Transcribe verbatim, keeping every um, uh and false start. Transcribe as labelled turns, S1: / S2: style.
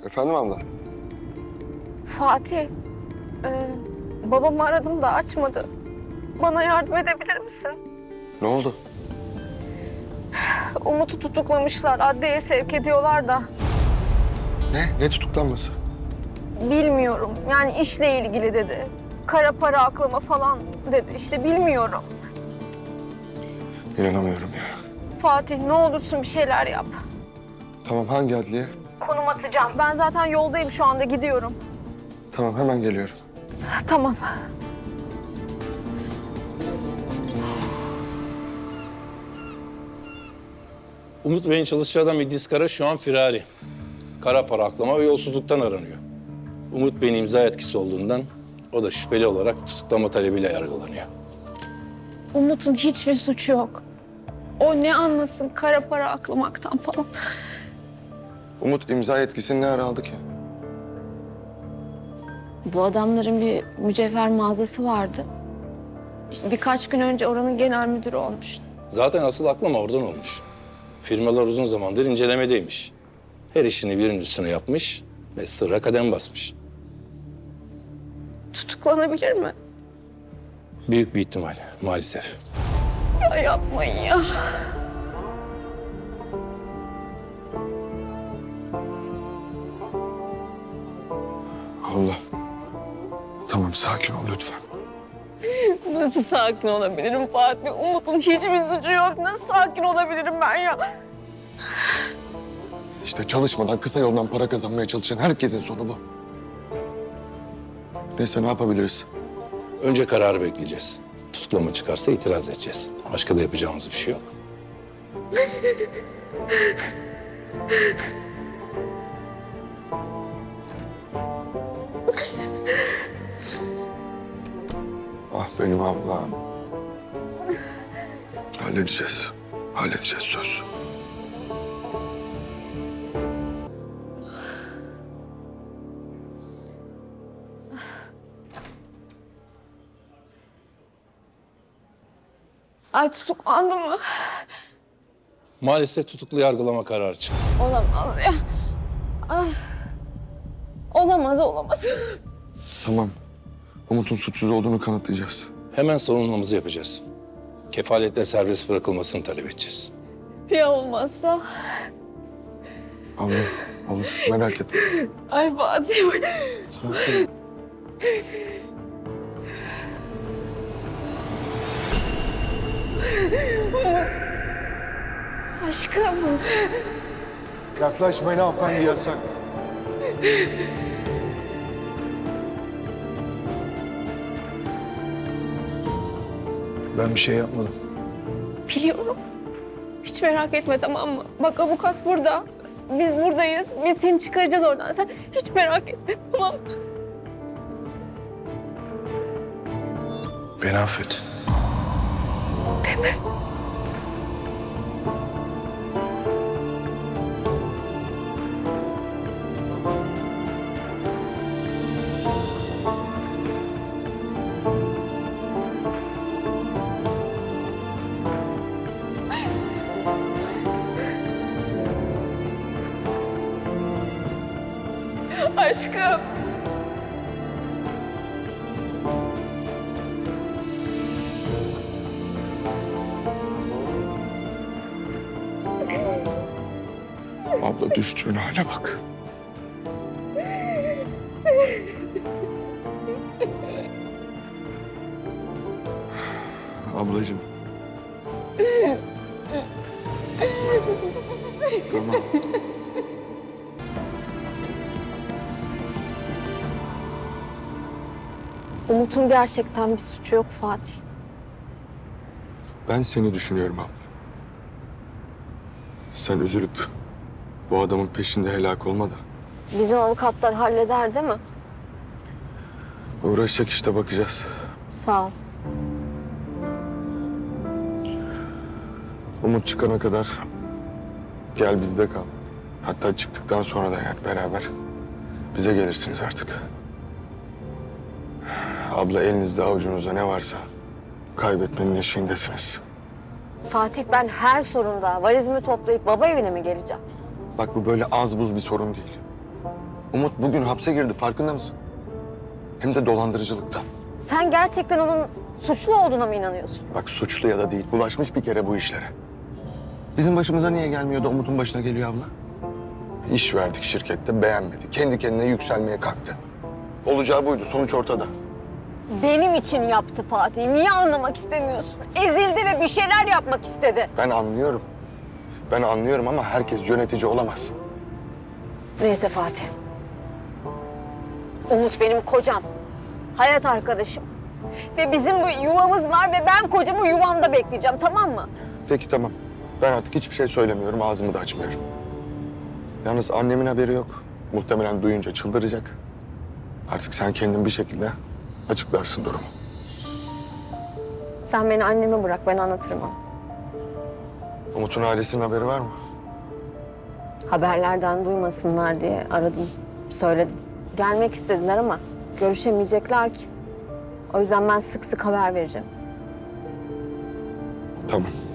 S1: Efendim abla?
S2: Fatih, e, babamı aradım da açmadı. Bana yardım edebilir misin?
S1: Ne oldu?
S2: Umut'u tutuklamışlar, adliyeye sevk ediyorlar da.
S1: Ne? Ne tutuklanması?
S2: Bilmiyorum, yani işle ilgili dedi. Kara para aklama falan dedi, işte bilmiyorum.
S1: İnanamıyorum ya.
S2: Fatih, ne olursun bir şeyler yap.
S1: Tamam, hangi adliye?
S2: Konum atacağım. Ben zaten yoldayım şu anda, gidiyorum.
S1: Tamam, hemen geliyorum.
S2: Tamam.
S3: Umut Bey'in çalışacağı adam İdris Kara şu an firari. Kara para aklama ve yolsuzluktan aranıyor. Umut Bey'in imza etkisi olduğundan o da şüpheli olarak tutuklama talebiyle yargılanıyor.
S2: Umut'un hiçbir suçu yok. O ne anlasın kara para aklamaktan falan.
S1: Umut imza yetkisini ne ara aldı ki?
S2: Bu adamların bir mücevher mağazası vardı. İşte birkaç gün önce oranın genel müdürü olmuş.
S3: Zaten asıl aklama oradan olmuş. Firmalar uzun zamandır incelemedeymiş. Her işini birinin üstüne yapmış ve sırra kadem basmış.
S2: Tutuklanabilir mi?
S3: Büyük bir ihtimal maalesef.
S2: Ya yapmayın ya.
S1: Abla. Tamam, sakin ol lütfen.
S2: Nasıl sakin olabilirim Fatih? Umut'un hiçbir suçu yok. Nasıl sakin olabilirim ben ya?
S1: İşte çalışmadan, kısa yoldan para kazanmaya çalışan herkesin sonu bu. Neyse, ne yapabiliriz?
S3: Önce kararı bekleyeceğiz. Tutuklama çıkarsa itiraz edeceğiz. Başka da yapacağımız bir şey yok.
S1: Ah benim ablam. Halledeceğiz. Halledeceğiz, söz.
S2: Ay tutuklandım mı?
S3: Maalesef tutuklu yargılama kararı çıktı.
S2: Olamaz ya. Ah. Olamaz, olamaz.
S1: Tamam. Umut'un suçsuz olduğunu kanıtlayacağız.
S3: Hemen savunmamızı yapacağız. Kefaletle serbest bırakılmasını talep edeceğiz.
S2: Ya olmazsa?
S1: Abla, olur. Merak etme.
S2: Ay Fatih.
S1: Sakin.
S2: Aşkım.
S4: Yaklaşmayın hanımefendi, yasak. Ben bir şey yapmadım.
S2: Biliyorum. Hiç merak etme, tamam mı? Bak avukat burada. Biz buradayız. Biz seni çıkaracağız oradan. Sen hiç merak etme, tamam mı?
S4: Beni affet.
S2: Aşkım.
S1: Abla, düştüğün hale bak. Ablacığım. Tamam.
S2: Umut'un gerçekten bir suçu yok Fatih.
S1: Ben seni düşünüyorum abla. Sen üzülüp bu adamın peşinde helak olma da.
S2: Bizim avukatlar halleder değil mi?
S1: Uğraşacak işte, bakacağız.
S2: Sağ ol.
S1: Umut çıkana kadar gel bizde kal. Hatta çıktıktan sonra da yani beraber bize gelirsiniz artık. Abla, elinizde avucunuzda ne varsa kaybetmenin eşiğindesiniz.
S2: Fatih, ben her sorunda valizimi toplayıp baba evine mi geleceğim?
S1: Bak, bu böyle az buz bir sorun değil. Umut bugün hapse girdi, farkında mısın? Hem de dolandırıcılıktan.
S2: Sen gerçekten onun suçlu olduğuna mı inanıyorsun?
S1: Bak suçlu ya da değil, bulaşmış bir kere bu işlere. Bizim başımıza niye gelmiyor da Umut'un başına geliyor abla? İş verdik şirkette, beğenmedi. Kendi kendine yükselmeye kalktı. Olacağı buydu, sonuç ortada.
S2: Benim için yaptı Fatih. Niye anlamak istemiyorsun? Ezildi ve bir şeyler yapmak istedi.
S1: Ben anlıyorum. Ben anlıyorum ama herkes yönetici olamaz.
S2: Neyse Fatih. Umut benim kocam. Hayat arkadaşım. Ve bizim bu yuvamız var ve ben kocamı yuvamda bekleyeceğim, tamam mı?
S1: Peki tamam. Ben artık hiçbir şey söylemiyorum, ağzımı da açmıyorum. Yalnız annemin haberi yok. Muhtemelen duyunca çıldıracak. Artık sen kendin bir şekilde açıklarsın durumu.
S2: Sen beni anneme bırak, ben anlatırım ona.
S1: Umut'un ailesinin haberi var mı?
S2: Haberlerden duymasınlar diye aradım, söyledim. Gelmek istediler ama görüşemeyecekler ki. O yüzden ben sık sık haber vereceğim.
S1: Tamam.